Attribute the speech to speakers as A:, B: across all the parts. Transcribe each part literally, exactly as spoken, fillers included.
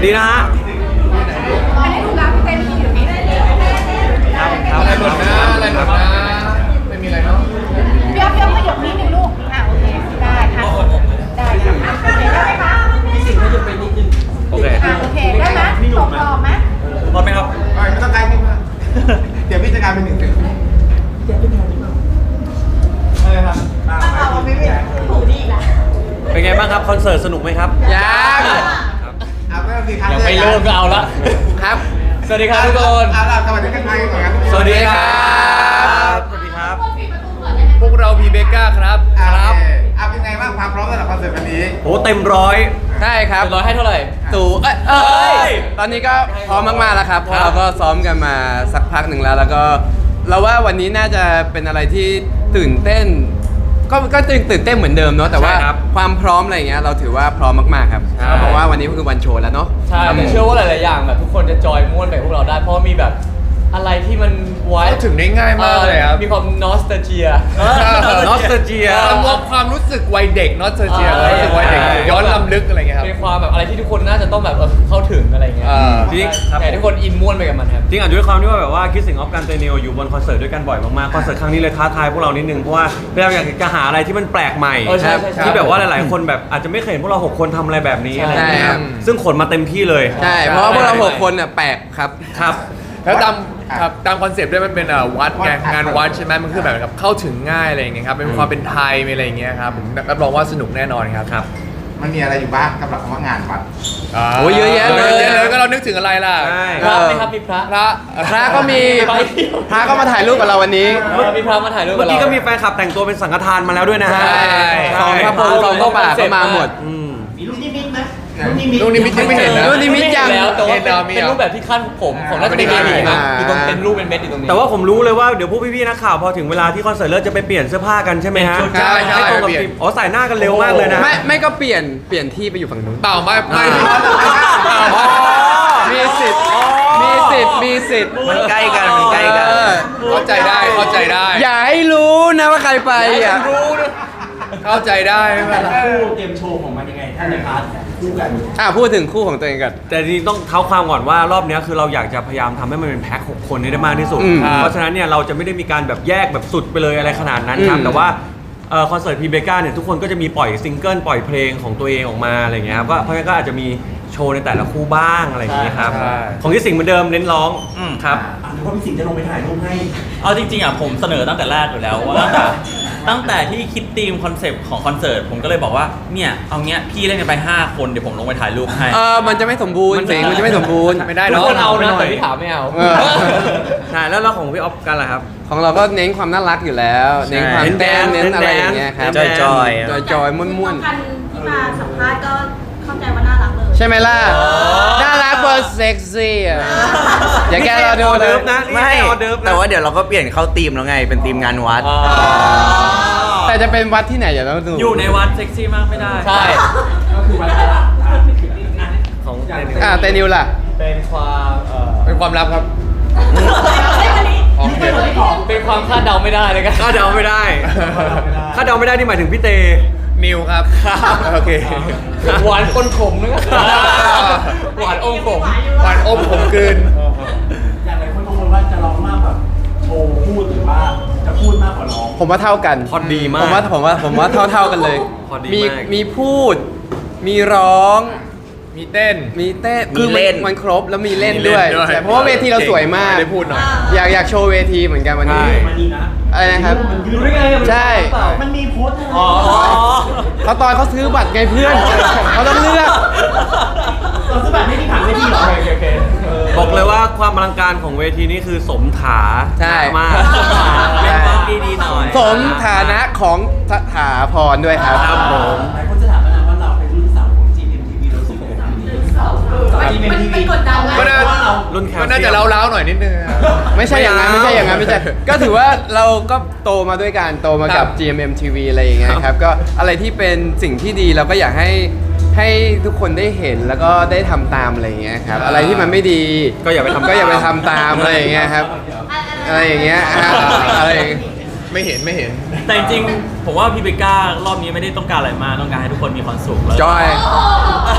A: ดีนะฮะ
B: อันนี้ถูกแล้วพี่เต้นอยู่นี่ครับ
C: อะไรหมดนะอะไรหมดนะไม่มีอะไรเนาะ
B: เบี้ยวเบี้ยวขยับนิดนึงลูกอ่ะโอเคได้ค่ะได้ค่ะโอเคได้ไหมคะพี่สิงห์ขยับไปนิดนึงโอเคอ่ะโอเคได้ไหมตกต่อไหม
A: พร้อมไหมครับ
C: ไม่ต้องใกล้ขึ้นมาเดี๋ยวพี่จะกลายเป็นหนึ่งเป็นอะไรครับ
B: เอาไม่เป็นถูกดีละ
A: เป็นไงบ้างครับคอนเสิร์ตสนุกไหมครับ
C: ยังเอาไม่ต้องดีครับ
A: ยังไม่เริ่มก็เอาละ
C: ครับ
A: สวัสดีครับทุกคน
C: เอาล่ะสวัสดีกันไปก่อนกัน
A: สวัสดีครับสวัสดีครับ
C: พวกเราพีเบก้าครับครับเอาเป็นไงบ้างความพร้อมสำหรับคอนเสิร์ตวันนี้
A: โอ้เต็มร้อย
D: ใช่ครับ
A: ร้อยให้เท่าไหร่
D: ตู่เอ้ยเอ้ยตอนนี้ก็พร้อมมากๆแล้วครับเพราะเราก็ซ้อมกันมาสักพักหนึ่งแล้วแล้วก็เราว่าวันนี้น่าจะเป็นอะไรที่ตื่นเต้นก็ก็ตื่นตื่นเต้นเหมือนเดิมเนาะแต่ว่าความพร้อมอะไรเงี้ยเราถือว่าพร้อมมากๆครับเพราะว่าวันนี้ก็คือวันโชว์แล้วเนาะ
E: ใช่แต่เชื่อว่าหลายๆอย่างแบบทุกคนจะจอยม่วนไปพวกเราได้เพราะมีแบบอะไรที่มันไว้
C: ถึงได้ง่ายมากเลยครับ
E: มีความนอสตาเจีย
A: นอสตาเจีย
C: ความรู้สึกวัยเด็กนอสตาเจียรู้สึกวัยเด็กย้อนลำลึกอะไรเงี้ยครับ
E: เป็นความแบบอะไรที่ทุกคนน่าจะต้องแบบเข้าถึงอะไรเงี้ย
A: จริง
E: แต่ทุกคนอินม่วนไปกับมันครับ
A: จริงอาจจะด้วยความที่ว่าแบบว่าคิดสิ่งออฟกันเตนิวอยู่บนคอนเสิร์ตด้วยกันบ่อยมากๆคอนเสิร์ตครั้งนี้เลยท้าทายพวกเรานิดนึงเพราะว่าพยายามอยากจะหาอะไรที่มันแปลกใหม่ที่แบบว่าหลายๆคนแบบอาจจะไม่เคยเห็นพวกเราหกคนทำอะไรแบบนี้อะไรอย่างเงี้ยซึ่งขนมาเต็มที่เลย
D: ใช่เพราะว่าพวกเราหกคนน่ะแปลกครับ
A: ครับ
C: แล้วตามครับตามคอนเซปต์ด้วยมันเป็นวัดไงงานวัดใช่ไหมมันคือแบบกับเข้าถึงง่ายอะไรอย่างเงี้ยครับเป็นความเป็นไทยมีอะไรอย่างเงี้ยครับผมรับรองว่าสนุกแน่นอนครับ
A: ครับ
F: มันมีอะไรอยู่บ้างกับคำว่างานวัด
D: โอ้ยเยอะแยะเลย
C: แล้วก็เรานึกถึงอะไรล่ะ
E: พระไหมครับมีพระ
C: พระ
D: พระก็มีพระก็มาถ่ายรูปกับเราวันนี้
E: มีพระมาถ่ายรูป
A: เมื่อกี้ก็มีแฟนคลับแต่งตัวเป็นสังฆทานมาแล้วด้วยนะฮะ
D: สองพระพรหมสองก็บาทก็มาหมด
F: มีลูกนิมิตไหม
C: ลูกนิมิตยังไม่เห็นนะ
D: ลูกนิมิตยัง
E: แล้วแต่ว่าเป็นรูปแบบที่ขั้นผมของน่าจะเป็นเบบีนะอยู่ตรงเป็นรูปเป็นเม็ดอยู่ตรงนี้
A: แต่ว่าผมรู้เลยว่าเดี๋ยวพวกพี่ๆนักข่าวพอถึงเวลาที่คอนเสิร์ตเลิกจะไปเปลี่ยนเสื้อผ้ากันใช่ไหมฮะ
C: ใช่ใช่
A: ตรงกับอ๋อใส่หน้ากันเร็วมากเลยนะ
D: ไม่ไม่ก็เปลี่ยนเปลี่ยนที่ไปอยู่ฝั่งนู้น
C: เปล่าไม่ไม่
D: มีสิทธิ์มีสิทธิ์มีสิทธิ์
A: มันใกล้กันมันใกล้กัน
C: เข้าใจได้เข้าใจได้
D: อย่าให้รู้นะว่าใครไปอ่ะ
C: เข้าใจได้
F: แต่ละคู่เตรียมโชว์ของมันยังไงถ้าในพาร์ทคู่กัน
D: อ่ะพูดถึงคู่ของตัวเองกัน
A: แต่จริงต้องเท้าความก่อนว่ารอบนี้คือเราอยากจะพยายามทำให้มันเป็นแพ็คหกคนให้ได้มากที่สุดเพราะฉะนั้นเนี่ยเราจะไม่ได้มีการแบบแยกแบบสุดไปเลยอะไรขนาดนั้นครับแต่ว่าคอนเสิร์ตพีเบก้าเนี่ยทุกคนก็จะมีปล่อยซิงเกิลปล่อยเพลงของตัวเองออกมาอะไรเงี้ยครับก็เพราะงั้นก็อาจจะมีโชว์ในแต่ละคู่บ้างอะไรอย่างเงี้ยครับของที่สิงห์เหมือนเดิมเน้นร้องครับ
F: หรือว่าพี่สิงห์จะลงไปถ่ายรูปให้
G: เอาจริงๆอ่ะผมเสนอตั้งแต่แรกอยู่แล้วว่าตั้งแต่ตั้งแต่ที่คิดธีมคอนเซปต์ของคอนเสิร์ตผมก็เลยบอกว่าเนี่ยเอาเงี้ยพี่เล่นกันไปห้าคนเดี๋ยวผมลงไปถ่ายรูปให้
D: เออมันจะไม่สมบูรณ์เสียงมันจะไม่สมบูรณ์
C: ไม่ได้
E: ทุกคนเอานะแต่พี่ถามไม่เอา
A: ใช่แล้วเราของพี่ออฟกันล่ะครับ
D: ของเราก็เน้นความน่ารักอยู่แล้วเน้นความแดนเน้นอะไรอย่างเงี้ยครับ
A: จอยจอย
D: จอยจอยม่วนม่วน
B: ที่มาสัมภาษณ์ก็เข้าใจว่าน่ารักเลย
D: ใช่ไหมล่ะน่ารักเบอร์เซ็กซี่อ่ะอย่าแกเราดู
A: เลยนะ
H: ไม่แต่ว่าเดี๋ยวเราก็เปลี่ยนเข้าธีมแล้วไงเป็นธีมงานวัด
D: แต่จะเป็นวัดที่ไหนอย่าต้องดู
G: อยู่ในวัดเซ็กซี่มากไม่ได้
E: ใช่
F: ก็คือวัด
A: ของ
D: อ่าเตนิวล่ะ
E: เป็นความเอ่อ
C: เป็นความลับครับ
E: เป็นความคาดเดาไม่ได้เลยกัน
A: คาดเดาไม่ได้คาดเดาไม่ได้นี่หมายถึงพี่เต
C: นิวครับโอเค
E: หวานปนขมนึกหวานอมขม
C: หวานอมขมกลืน
F: อย่างไรคนบางคนว่าจะร้องมากแบบโชว์พูดหรือว่าจะพูดมากกว่าร้อง
D: ผมว่าเท่ากัน
A: พอดีมาก
D: ผมว่าผมว่าผมว่าเท่าเท่ากันเลยมีมีพูดมีร้อง
C: มีเต้น
D: มีเต้นคือมันครบแล้วมีเล่นด้วยเพราะว่าเวทีเราสวยมาก
C: ได้พูดหน่อย
D: อยากอยากโชว์เวทีเหมือนกันวันนี้อะไรนะครับใช่
F: มันมีโพสต์
D: อ๋อเขาตอนเขาซื้อบัตรไงเพื่อนเขาต้องเลือก
F: เราซื้อบัตรให้ที่ผ่านเวทีเหรอ
A: บอกเลยว่าความอลังการของเวทีนี้คือสมถา
D: ใช่
A: มาก
G: เป็นความดีๆหน่อย
D: สมฐานะของสถาพรด้วยครับ
A: ครับผม
F: หลายคนจะถามนะว่าเราเป็นรุ่นสาวของ จี เอ็ม ที วี เราสุดเลยนะ
B: มันกดดันเลย
A: รุ่นแค
C: ก็น่าจะเล้าๆหน่อยนิดนึง
D: ไม่ใช่อย่างนั้นไม่ใช่อย่างนั้นไม่ใช่ก็ถือว่าเราก็โตมาด้วยกันโตมากับ จี เอ็ม เอ็ม ที วี อะไรอย่างเงี้ยครับก็อะไรที่เป็นสิ่งที่ดีเราก็อยากให้ให้ทุกคนได้เห็นแล้วก็ได้ทำตามอะไรอย่างเงี้ยครับอะไรที่มันไม่ดี
A: ก็อย่าไปทำ
D: ก็อย่าไปทำตามอะไรอย่างเงี้ยครับอะไรอย่างเงี้ยอะไร
C: ไม่เห็นไม่เห็น
G: แต่จริงๆผมว่าพี่เบก้ารอบนี้ไม่ได้ต้องการอะไรมากต้องการให้ทุกคนมีความสุขแล้ว
D: จอย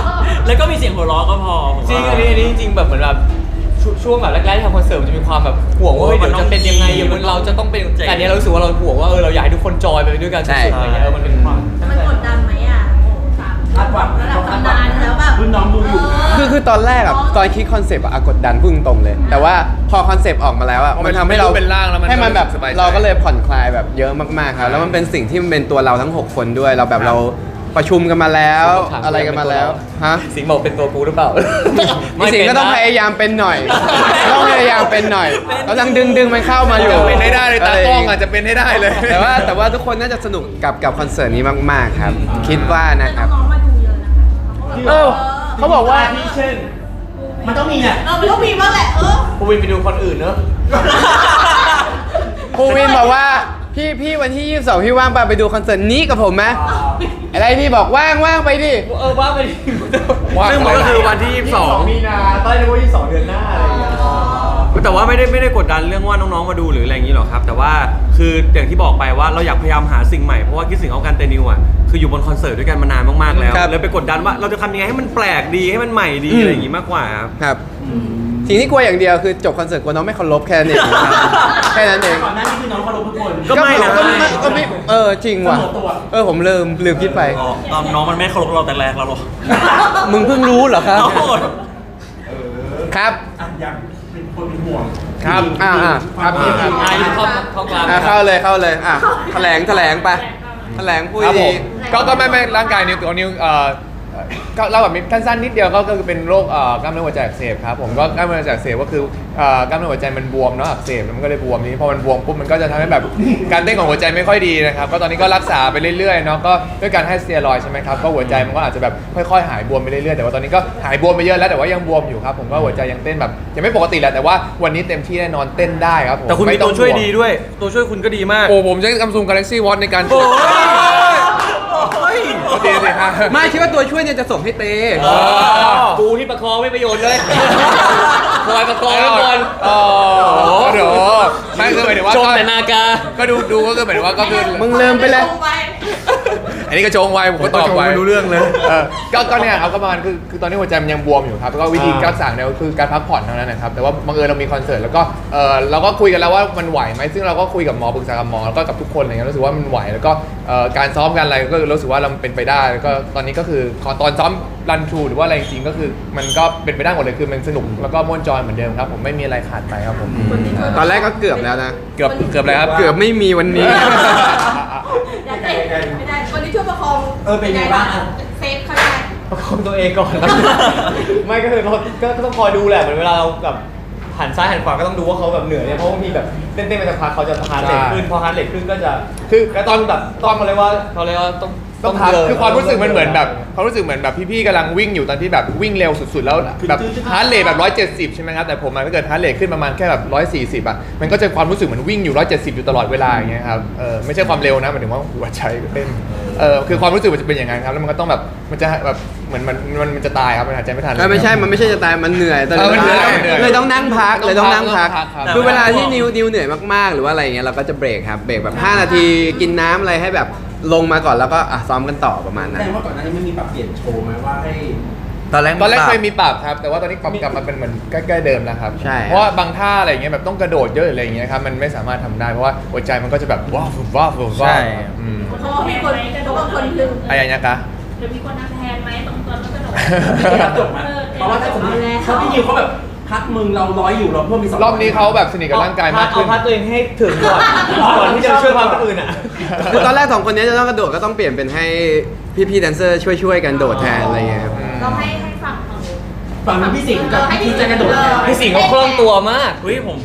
G: แล้วก็มีเสียงหัวเราะก็พอผม
E: จริง
G: ว่า
E: อันนี้อันนี้จริงๆแบบเหมือนแบบช่วช่วงแบบแรกๆที่ทำคอนเสิร์ตมันจะมีความแบบห่วงว่าเฮ้ย
G: โอ้ย
E: เดี๋ยวจะเป็นยังไง
G: มันต้องดี
E: เดี๋ยวเราจะต้องเป็น
G: เจ๋ง
E: แต่อันนี้เรารู้สึกว่าเราห่วงว่าเออเราอยากให้ทุกคนจอยไปด้วยกัน
D: ใช่
E: สุดๆอะไรเงี้ยเออมันเป็นความ
B: มันกดดันไหมอ่ะโอ้สาม
F: คาดหวัง
B: ระดับตำนานแล้วแบบ
F: รุ่นน้องดูอยู่นะ
D: คือคือตอนแรกอะตอนคิดคอนเซปต์อะกดดันพุ่งตรงเลย แต่ว่าพอคอนเซปต์ออกมาแล้วอะ
C: พอมั
D: มัน นทำให้เรา
C: เป็นร่างแล้วมัน
D: ให้มันแบบ
C: สบายใจ
D: เราก็เลยผ่อนคลายแบบเยอะมากๆครับแล้วมันเป็นสิ่งที่มันเป็นตัวเราทั้งหกคนด้วยเราแบบเราประชุมกันมาแล้ว
E: ถาม
D: อะไรกันมาแล้วฮะ
E: สิงห์บอกเป็นตัวกูหรือเปล่า
D: พี่สิงห์ก็ต้องพยายามเป็นหน่อยต้องพยายามเป็นหน่อยกำลังดึงดึงมันเข้ามาอยู่
C: จะเป็นให้ได้เลยตากล้องอาจจะเป็นให้ได้เลย
D: แต่ว่าแต่ว่าทุกคนน่าจะสนุกกับกับคอนเสิร์ตนี้มากๆครับ คิดว่านะครับ
B: น้องๆมาดูเยอะนะคะ
D: เออเขาบอกว่า
F: ที่เช่น มันต้องมีเนี่ย
B: เออมันต้องมีบ้างแหละเออ
E: กูวินไปดูคนอื่นเนอะ
D: ครูวินบอกว่าพี่พี่วันที่ยี่สิบสองพี่ว่างป่ะไปดูคอนเสิร์ตนี้กับผมไหมอะไรพี่บอกว่างว่างไปดิ
E: เออว่าไปดิ
A: ซึ่งมันก็คือวันที่ยี่สิบสอง
E: มีนาตอนนี้ว่ายี่สิบสองเดือนหน้าอะไรอย่างเงี้ย
A: แต่ว่าไม่ได้ไม่ได้กดดันเรื่องว่าน้องๆมาดูหรืออะไรอย่างนี้หรอกครับ แต่ว่าคืออย่างที่บอกไปว่าเราอยากพยายามหาสิ่งใหม่เพราะว่าคิดสิ่งเอาการเตนิวอ่ะคืออยู่บนคอนเสิร์ตด้วยกันมานานมากๆแล้ว
D: ครับ
A: เลยไปกดดันว่าเราจะทำยังไงให้มันแปลกดีให้มันใหม่ดีอะไรอย่างนี้มากกว่าครับ
D: ครับสิ่งที่กลัวอย่างเดียวคือจบคอนเสิร์ตกลัวน้องไม่เคารพแค่นั้นเองครับแค่นั้นเอง
F: ก่อนหน้านี้คือน้องเคารพทุกคน
A: ก็ไม่นะ
D: ก็ไม่ก็ไม่เออจริงว่ะ
F: เสมอตัว
D: เออผมลืมลืมคิดไป
G: อ๋อตอนน้องมันไม่เคารพเราแต่แรกแล้วหรอ
D: มึงเพิ่งรู้เหรอครับ
G: โอ้โห
D: ครับ
F: อ่ะยังเป็นคนเป็นห่วง
D: ครับอ่าอ่าครับพี่ครับ
E: อ่ะอยู่เข้าเข้ากลาง
D: อ่าเข้าเลยเข้าเลยอ่ะแถลงแถลงไปแถลงพูด
C: ครับผ
D: ดี
C: มก็ก็ไม่ไม่ร่างกายนิวตัวนิวเอ่อก็เล่าแบบสั้นๆนิดเดียวก็ก็คือเป็นโรคเอ่อกล้ามเนื้อหัวใจอักเสบครับผมก็กล้ามเนื้อหัวใจอักเสบก็คือเอ่อกล้ามเนื้อหัวใจมันบวมเนาะอักเสบแล้วมันก็เลยบวมนี้พอมันบวมปุ๊บมันก็จะทำให้แบบการเต้นของหัวใจไม่ค่อยดีนะครับก็ตอนนี้ก็รักษาไปเรื่อยๆเนาะก็ด้วยการให้สเตียรอยด์ใช่ไหมครับก็หัวใจมันก็อาจจะแบบค่อยๆหายบวมไปเรื่อยๆแต่ว่าตอนนี้ก็หายบวมไปเยอะแล้วแต่ว่ายังบวมอยู่ครับผมก็หัวใจยังเต้นแบบยังไม่ปกติแหละแต่ว่าวันนี้เต็มที่แน่นอนเต้นได้ครับผม
A: แต่คุณมี
C: ไต้
A: ตั
C: อ
A: ว
C: ง
A: ช่วย
C: ห่ง
A: ดีด้วย ตัวช่วยคุณก็ดีมาก
C: โอ้ผมใช้ซัมซุง Galaxy Watch ในการ
A: โอ้ย
C: ดีสิฮะ
D: ไม่คิดว่าตัวช่วยเนี่ยจะส่งให้เต
E: กูที่ประคองไม่ประโยชน์เลยคอยประคองไว้ก่อน
C: อ๋อเดี๋ยวไม่คือหมายถึงว่า
E: ชม
C: ก็
E: แต่นากา
C: ก็ดูดูก็คือหมายถึงว่าก็คือ
D: มึงลืมไปเลย
C: อันนี้ก็โจงไวผมก็ตอบไว
A: ไม่รู้เรื่องเลย
C: เออก็ก็เนี่ยครับก็ประมาณคือคือตอนนี้หัวใจมันยังบวมอยู่ครับแล้วก็วิธีการสั่งเนี่ยก็คือการพักผ่อนเท่านั้นนะครับแต่ว่าบังเอิญเรามีคอนเสิร์ตแล้วก็เออเราก็คุยกันแล้วว่ามันไหวไหมซึ่งเราก็คุยกับหมอปรึกษากับหมอแล้วก็กับทุกคนอะไรเงี้ยรู้สึกว่ามันไหวแล้วก็เอ่อการซ้อมกันอะไรก็รู้สึกว่าเราเป็นไปได้แล้วก็ตอนนี้ก็คือขอตอนซ้อมรันทรูหรือว่าอะไรจริงๆก็คือมันก็เป็นไปได้หมดเลยคือมันสนุกแล้วก็ม่วนจอยเหมือนเดิมครับผมไม่มีอะไรขาดไปครับผม
D: ตอนแรกก็เกือบแล้วนะ
C: เกือบเกือบเลยครับ
D: เกือบไม่มีวันนี้
B: ไม่ได้ไม่ได้คนที่ช่วยประคอง
F: เออเป็นไงบ้างอ่ะ
B: เซฟเขาได้
E: ประคองตัวเองก่อน ไม่ก็คือเราก็ก็ต้องคอยดูแหละเหมือนเวลาเราแบบหันซ้ายหันขวาก็ต้องดูว่าเขาแบบเหนื่อยเนี่ยเพราะบางทีแบบเต้นๆไปสักพักเขาจะฮาร์ดเรทขึ้นพอฮาร์ดเรทขึ้นก็จะ
C: คือ
E: ก็ต้องแบบต้องมาเลยว่าเขาเรียกว่าต้อง
C: ต้องพัก
E: เดิน
C: คือความรู้สึกมันเหมือนแบบความรู้สึกเหมือนแบบพี่ๆกำลังวิ่งอยู่ตอนที่แบบวิ่งเร็วสุดๆ แล้วแบบฮาร์ดเรทแบบร้อยเจ็ดสิบใช่ไหมครับแต่ผมมันถ้าเกิดฮาร์ดเรทขึ้นประมาณแค่แบบร้อยสี่สิบอ่ะมันก็จะความรู้สึกเหมือนวิ่งอยู่ร้อยเจ็ดสิบอยู่ตลอดเวลาอย่างเงี้ยครับเออไม่ใช่ความเร็วนะหมายถึงว่าหัวใจเต้นเออคือความรู้สึกมันจะเป็นอย่างนั้นครับแล้วมันก็ต้องแบบมันจะแบบเหมือนมันมันมันจะตายครับมันหายใจไม่ทัน
D: เออไม่ใช่ มันไม่ใช่จะตาย มันเหนื่อยแต่
C: เออมันเหนื่อยมันเหนื่อย
D: เลยต้องนั่งพัก เลยต้องนั่งพัก
C: ต้องพักครับ
D: คือเวลาที่นิวนิวเหนื่อยมากๆ หรือว่าอะไรเงี้ยเราก็จะเบรกครับ เบรกแบบห้านาทีกินน้ำอะไรให้แบบลงมาก่อนแล้วก็อ่ะซ้อมกันต่อประมาณ
F: แส
D: นั้น
F: ดงว่าก่อนหน้านี้ไม่มีปรับเปลี่ยนโชว์ไหมว่าให้
H: ตอนแรก
C: ตอนแรก
H: ป
C: เคยมีปรับครับแต่ว่าตอนนี้ปรับกลับมาเป็นเหมือนใกล้ๆเดิมแล้วครับ
D: ใช่
C: เพราะว่าบางท่าอะไรเงี้ยแบบต้องกระโดดเยอะหรืออะไรเงี้ยครับมันไม่สามารถทำได้เพราะว่าหัวใจมันก็จะแบบว้าวว้าวว้าว
H: ใช่
C: อืม
B: เพราะว่ามีคนเพราะว่าคนลึง
C: อะไรอย่างเงี้ยคะ
B: เดี๋ยวมีคนทำแทนไหมตรงตอนนั้นกระโดด
F: ครับจบไหมเพราะว่าถ้าสมมติถ้าพี่นิวเขาแบบพักมึงเราร้อยอยู่เราเพิ่มมีสอง
C: รอบนี้เขาแบบสนิทกับร่างกายมากขึ้น
E: เอาพัดตัวเองให้ถึงก่อนก่อนที่จะช่วยความคนอื่นอ่ะ
D: คือตอนแรกสองคนนี้จะต้องกระโดดก็ต้องเปลี่ยนเป็นให้พี่ๆแดนเซอร์ช่วยๆกันโดดแทนอะไรเงี้ยครับ
B: เราให้ให้ฝั่งเขา
F: ฝั่งพี่สิงห์กับพี่จะกระโดดเนี่ย
E: พี่สิงห์เขาคล่องตัวมาก
G: เฮ้ยผม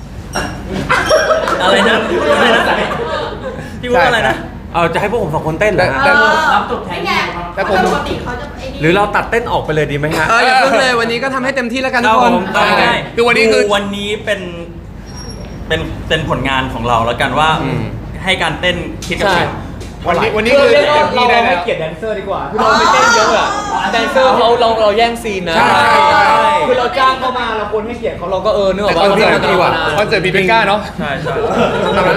G: อะไรนะอะไรนะพี่พูดว่าอะไรนะ
A: เอาจะให้พวกผมสองคนเต้นเหรอฮะ
C: แต่
F: รับจบแทน
B: ไง
C: แต่ผม
B: ปกติเขาจะไอ้นี่
A: หรือเราตัดเต้นออกไปเลยดีไหมฮะ
D: เอออย่าเพิ่งเลยวันนี้ก็ทำให้เต็มที่แล้วกันทุกคน
A: ครับผม
G: ได้
C: คือวันนี้คือ
G: ดูวันนี้เป็นเป็นเป็นผลงานของเราแล้วกันว่า
D: อืม
G: ให้การเต้นคิดกับ
E: ใช่
G: สิ่ง
C: วันนี้วันนี้
E: คือ
C: คือ
E: เรียกว่า
C: เต็มที่
E: เรา
C: ได้
E: ให้
C: แล้ว
E: เกียรติแดนเซอร์ดีกว่าคือเราไปเต้นเยอะอะแดนเซอร์เขาเราเราแย่งซีนนะ
C: ใช่ใช่
E: คือเราจ้างเขามาเราควรให้เกียรติเขาเราก็เออนึกออก
C: แต่
E: ว่า
C: คอนเสิร์ต
E: เรา
C: ดีกว่าคอนเสิร์ตพีเป็นก้าเนาะ
G: ใช่ใช่
D: ทำนั้นแหละ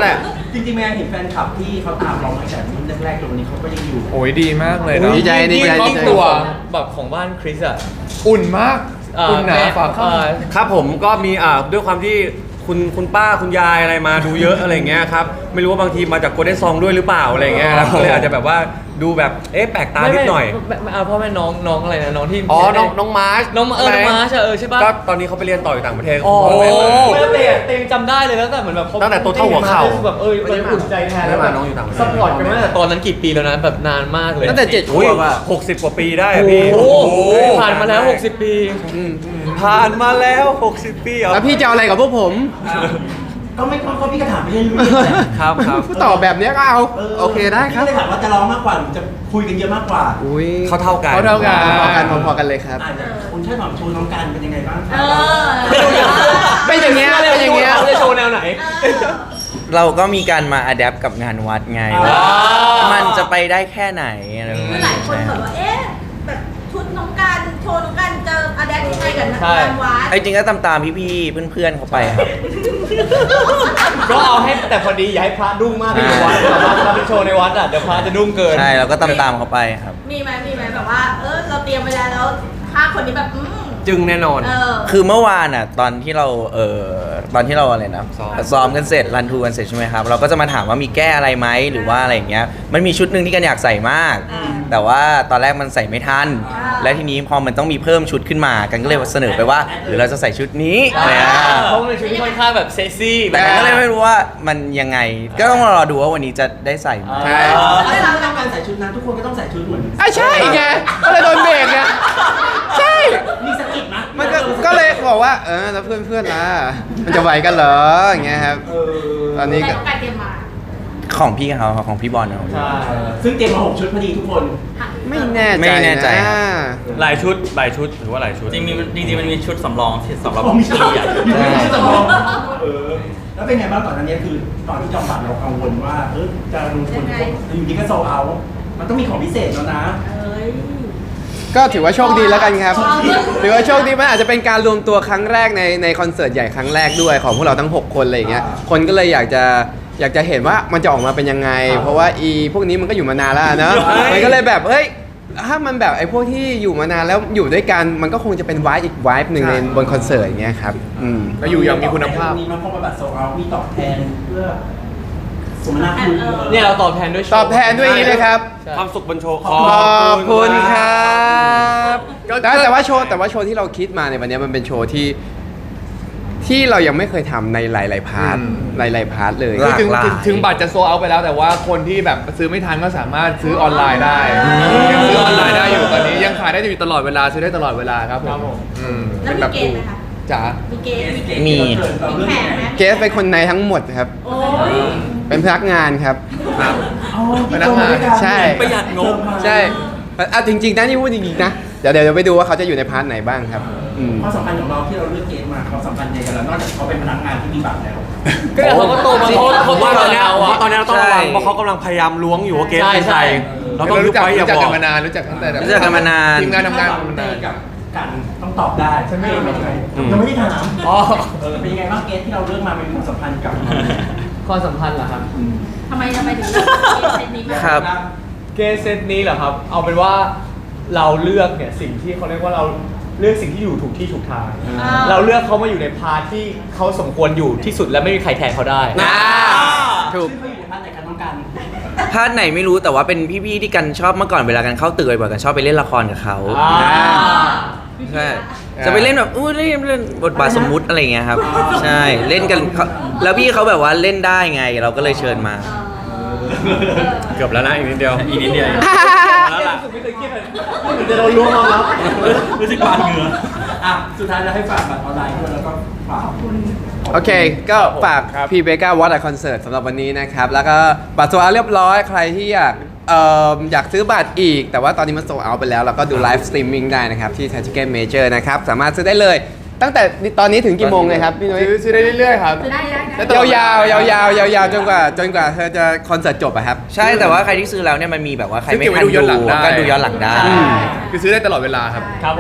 F: จริงๆแม่เห็นแฟนคลับที่เขาตามเรามาจากรุ่นแรกๆจนวันนี้เขาก็ยังอยู่
C: โอ้ยดีมากเลยเนาะ
D: ดีใจดีใจ
C: ครอ
D: ดี
C: บ
D: ใจ
C: ตัว
E: แบบของบ้านคริสอะ
C: อุ่นมาก
E: เอ่อ
C: อุ่นหนา
E: แม่
C: ฝากเข้า
E: เอ่อ
A: ครับผมก็มีอ่าด้วยความที่คุณคุณป้าคุณยายอะไรมาดูเยอะอะไรเงี้ยครับไม่รู้ว่าบางทีมาจากโกลเด้นซองด้วยหรือเปล่าอะไรเงี้ยครับก็เลยอาจจะแบบว่าดูแบบเอ๊ะแปลกตานิดหน่อย
E: ไม่ไม่ไม่เอาพ่อแม่น้องน้องอะไรนะน้องที่
A: อ๋อน้องน้องมาร์ช
E: น้องเออน้องมาร์ชอะเออใช่ปะ
A: ก็ตอนนี้เขาไปเรียนต่ออยู่ต่างประเทศ
E: อ๋อ
A: พ่อแม่มา
E: ไม่แล้วเตะเตะจำได้เลยแล้วแต่เหมือนแบบข
A: ตั้งแต่ตัวเท่าหัวเข่า
E: แบบเออมันอุ่นใจแทนแล้ว
A: ไม่
E: แบ
A: มา
E: บ
A: น้องอยู่ต่างประเทศ
E: ซัพพอร์ตกันมาตั้งแต่ตอนนั้นกี่ปีแล้วนะแบบนานมากเลย
D: ตั้งแต่เจ็ดข
A: อุ้ยว
D: บอะ
A: หกสิบกว่าปีได้อะพี่
E: โอ้โหผ่านมาแล้วหกสิบปี
A: ผ่านมาแล้วหกสิบปีเหรอ
D: แล้วพี่จะเอาอะไรกับพวกผม
F: ก็ไม่ก็พี่ก็ถามไปเรื่อยๆแหละ
A: ครับครับ
D: ตอบแบบเนี้ยก็เอา โอเคได้ครับ
F: พี่ก็เลยถามว่าจะร้องมากกว่าหรือจะคุยกันเยอะมากกว่า
D: อุ้ย
A: เขาเท่ากัน
C: เขาเท่ากัน
D: พอกันพอๆกันเลยครับ
F: อาจจะคุณช่วยถามโชว์น้องกันเป็นยังไงบ้างค
B: เอ
F: รับ
B: อ
D: เป็นอย่างเงี้ยเป็นอย่างเงี้ย
E: เขาจะโชว์แนวไหน
H: เราก็มีการมาอัดแอปกับงานวัดไงว่ามันจะไปได้แค่ไหนอะไรแบบ
B: คือ
H: นี้
B: หลายคนแบบว่า เอ๊ะ แบบชุดน้องการโชว์น้องการจะอะแดปยังไงกับนักงานวัด
H: ไอ้จริงก็ตามตามๆพี่ๆเพื่อนๆเขาไปครับ
E: ก็เอาให้แต่พอดีอย่าให้พระดุ้งมากที่วัดเราไปโชว์ในวัดอ่ะเดี๋ยวพระจะดุ้งเกิน
H: ใช่เราก็ตามตามๆเขาไปครับ
B: มีไหมมีไหมแบบว่า เออ เราเตรียมไว้แล้วแล้วห้าคนนี้แบบ อืม
A: จึงแน่นอน
B: เออ
H: คือเมื่อวานอ่ะตอนที่เราเออตอนที่เราอะไรนะ
A: ซ้อม
H: ซ้อมกันเสร็จรันทูกันเสร็จใช่ไหมครับเราก็จะมาถามว่ามีแก้อะไรไหมหรือว่าอะไรอย่างเงี้ยมันมีชุดหนึ่งที่กันอยากใส่มาก
B: อ่า
H: แต่ว่าตอนแรกมันใส่ไม่ทัน
B: อ่า
H: และทีนี้พอมันต้องมีเพิ่มชุดขึ้นมากันก็เลยเสนอไปว่า หรือเราจะใส่ชุดนี้อะไรอ่ะ
E: เพราะมันเป็นชุดที่ค่อนข้างแบบเซ็กซี่
H: แต่กันก็เลยไม่รู้ว่ามันยังไง ก็ต้องรอดูว่าวันนี้จะได้ใส่ไหม
C: ใช่
F: ถ้าเราต้องการใส่ชุดนั้นทุกคนก็ต้องใส่ชุดเหมือน
D: อ่ะใช่ไงก็เลยโดนเบรกไงใช่
F: มีสะกิดนะ
D: มันก็ก็เลยบอกว่า เออแล้วเพื่อนๆล่ะมันจะไหวกันเหรออย่างเงี้ยครับ
F: เออ
D: ตอนนี้
B: แต่
D: ก็
B: น้องการเตรียมมา
H: ของพี่เขาของพี่บอลเขา
F: ใช่ซึ่งเตรียมมาหกชุดพอดีทุกคน
D: ไม่แน่ใจ
H: ไม่แน่ใจ
D: นะ
A: หลายชุดหลายชุดหรือว่าหลายชุด
G: จริงมีจริงๆมันมีชุดสำรองที่สำหรับ
F: ผมไม่ใช่
G: พี่ใหญ่
F: อยู่ในชุดสำรองเออ แล้วเป็นไงบ้างก่อนอันนี้คือตอนที่จอมฝันเรากังวลว่าเออจะลงทุนอยู่ดีก็โซเอา มันต้องมีของพิเศษแล้วนะ
B: เอ้ย
D: ก็ถือว่าโชคดีแล้วกันครับ
B: อ๋อ
D: ถือว่าโชคดีมันอาจจะเป็นการรวมตัวครั้งแรกในในคอนเสิร์ตใหญ่ครั้งแรกด้วยของพวกเราทั้งหกคนอะไรอย่างเงี้ย คนก็เลยอยากจะอยากจะเห็นว่ามันจะออกมาเป็นยังไง เพราะว่าอีพวกนี้มันก็อยู่มานานแล้วนะ
A: เฮ้ย
D: มันก็เลยแบบเฮ้ยถ้ามันแบบไอ้พวกที่อยู่มานานแล้วอยู่ด้วยกันมันก็คงจะเป็นวายอีกวายหนึ่งในบนคอนเสิร์ตอย่างเงี้ยครับอืม
C: แล้วอยู่อย่างมีคุณภาพ
F: มีมาพบบัตรโซเอา มีตอบแทนเพื่อสมนาคุณ
E: เนี่ยเราตอบแทนด้วยโชว์
D: ตอบแทนด้วยอย่างนี้เลยครับ
A: ความสุขบนโชว์
D: ขอบคุณครับแต่แต่ว่าโชว์แต่ว่าโชว์ที่เราคิดมาในวันนี้มันเป็นโชว์ที่ที่เรายังไม่เคยทำในหลาย ๆ พาร์ท
C: อืม
D: หลาย ๆ พาร์ทเลย
H: หลาก
C: ถึง
H: หลาย
C: ถึงถึงบัตรจะโซเอาไปแล้วแต่ว่าคนที่แบบซื้อไม่ทันก็สามารถซื้อออนไลน์ได้ยังซื้อออนไลน์ได้อยู่ตอนนี้ยังขายได้อยู่ตลอดเวลาซื้อได้ตลอดเวลาครับผมอืม
B: แล้วมีเกณฑ์ไหมคะ
C: จ๋า
B: มีเกณฑ์
H: มี
B: มีแผนไหม
D: เกสเป็นคนในทั้งหมดครับ
B: โอ้ย
D: เป็นพนักงานครับ
C: ครับ
F: พนักงาน
D: ใช่
G: ประหยัดงบ
D: ใช่อ่ะจริง ๆนะนี่พูดจริง ๆ นะ เดี๋ยวเดี๋ยวไปดูว่าเขาจะอยู่ในพาร์ทไหนบ้างครับอืม
F: ความสัมพันธ์ของเราที่เราเลือกเกณฑ์มาความสัมพันธ์ในกันแล้วนอกจากเขาเป็นพนักงานที่มีบัตรแล้ว
E: ก็เขาก็โตมาเขา
A: ผ
E: เขา
A: ม
E: โต
A: ว่า
E: มา
A: ตอนเนี้ย
E: เรา
A: ผม
E: อ่ะ
A: ว่าตอนเนี้ยเราต้องระวัง
H: ใช่
A: เพราะเขากำลังพยายามล้วงอยู่ว่าเกม
E: ใช่
A: เป็น
E: ใช่
A: ใครเราต้อง
C: เรา
A: ยุ
C: รู้
A: บ
C: จัก
A: ไว้อย่า
C: รู้จัก
A: บ
C: กั
A: อน ก
C: มานานรู้จักตั้งแต่แบบ
H: รู้จักกันมานาน
C: ทีมงานทำงานกันมานาน
F: กับกันต้องตอบได้ใช่ไหมเป็นยังไง
A: อืม
F: ยังไม่ได้ถาม
E: อ๋อ
F: เออเป็นยังไงบ้างเกณฑ์ที่เราเลือกมาเป็นความสัมพันธ์กับ
E: ความสัมพันธ์เหรอครับ
B: ทำไมทำไมถึงเลือกเกณฑ์เซตนี้มา
H: ครับ
E: เกมเซตนี้เหรอครับ เอาเป็นว่าเราเลือกเนี่ยสิ่งที่เขาเรียกว่าเราเลือกสิ่งที่อยู่ถูกที่ถูกทาง
B: อ่า
E: เราเลือกเขามาอยู่ในพาร์ทที่เขาสมควรอยู่ที่สุดและไม่มีใครแทนเขาได้
H: อ่าถูก
F: ซึ่งเขาอยู่ในพาร์ทไหนกันต้องการ
H: พาร์ทไหนไม่รู้แต่ว่าเป็นพี่ๆที่กันชอบเมื่อก่อนเวลากันเข้าตึกบ่อยๆกันชอบไปเล่นละครกับเขา
E: อ่า
H: ใช่จะไปเล่นแบบอู้เล่นเล่นบทบาทสมมุติอะไรอย่างเงี้ยครับ ใช่เล่นกันเขาแล้วพี่เขาแบบว่าเล่นได้ไง เราก็เลยเชิญมา
A: เกือบแล้วนะอีกนิดเดียว
G: อีกนิดเดียว
A: แล้วล่ะ
E: ไม่เคยคิดเลยเหมือนจะโดนล้วงมาแล้ว
G: รู้สึกบานเหงื่อ
F: อ่ะสุดท้ายเราให้ฝากบัตรออนไลน์ด้วยแล้วก็ฝากคุณ
D: โอเค ก็ฝากพีเบก้าวอตคอนเสิร์ตสำหรับวันนี้นะครับ แล้วก็บัตรโซเอาเรียบร้อย ใครที่อยากเอ่ออยากซื้อบัตรอีก แต่ว่าตอนนี้มันโซเอาไปแล้วเราก็ดูไลฟ์สตรีมมิ่งได้นะครับ ที่ Ticket Major นะครับ สามารถซื้อได้เลย ตั้งแต่ตอนนี้ถึงกี่โมงเลยครับพี่นุ้ย
C: ซื้อซื้อได้เรื่อยๆครับ
B: จะได้ได้
D: ยาวๆยาวๆยาวๆจนกว่าจนกว่าเธอจะคอนเสิร์ตจบอะครับ
H: ใช่แต่ว่าใครที่ซื้อแล้วเนี่ยมันมีแบบว่าใครไม่
C: ซื้อเก็บไว้
H: ทัน
C: ดูย้อนหลังได้
H: ก็ดูย้อนหลังได้
D: อืม
C: คือซื้อได้ตลอดเวลาครับ
E: ครับผม
B: ได้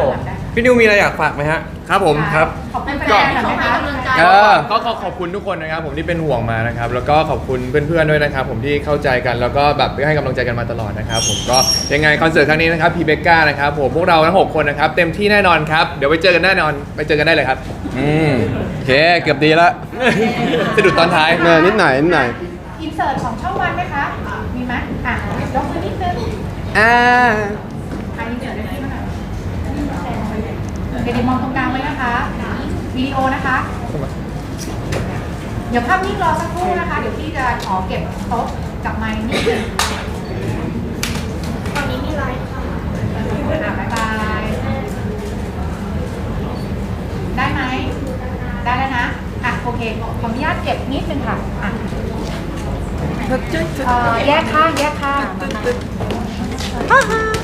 A: พี่นิวมีอะไรอยากฝากไหมฮะ
C: ครับผมครับ
B: ขอบคุณแฟนๆหน่อยไหมคะ
C: เออก็ขอขอบคุณทุกคนนะครับผมที่เป็นห่วงมานะครับแล้วก็ขอบคุณเพื่อนๆด้วยนะครับผมที่เข้าใจกันแล้วก็แบบให้กำลังใจกันมาตลอดนะครับผมก็ยังไงคอนเสิร์ตครั้งนี้นะครับพีเบก้านะครับผมพวกเราทั้งหกคนนะครับเต็มที่แน่นอนครับเดี๋ยวไปเจอกันแน่นอนไปเจอกันได้เลยครับ
D: อืมโอเคเกือบดีละ
C: สะดุดตอนท้าย
D: เนอนิดหน่อยนิดหน่อย
B: อินเสิร์ตของช่องวันไหมคะ มีไหมอ่ะยกมือนิดนึง
D: อ่า
B: อ่ะอินเสิร์ตได้ที่ไหนเดี๋ยวมองตรงกลางไว้นะคะวิดีโอนะคะ เดี๋ยวภาพนิ่งรอสักครู่นะคะ เดี๋ยวพี่จะขอเก็บโต๊ะกับไมค์นิดนึงตอนนี้มีไลฟ์ค่ะอ่ะบ๊ายบาย ได้ไหม ได้แล้วนะ อ่ะโอเค ขออนุญาตเก็บนิดนึงค่ะ อ่ะเอ่อแยกข้างแยกข้าง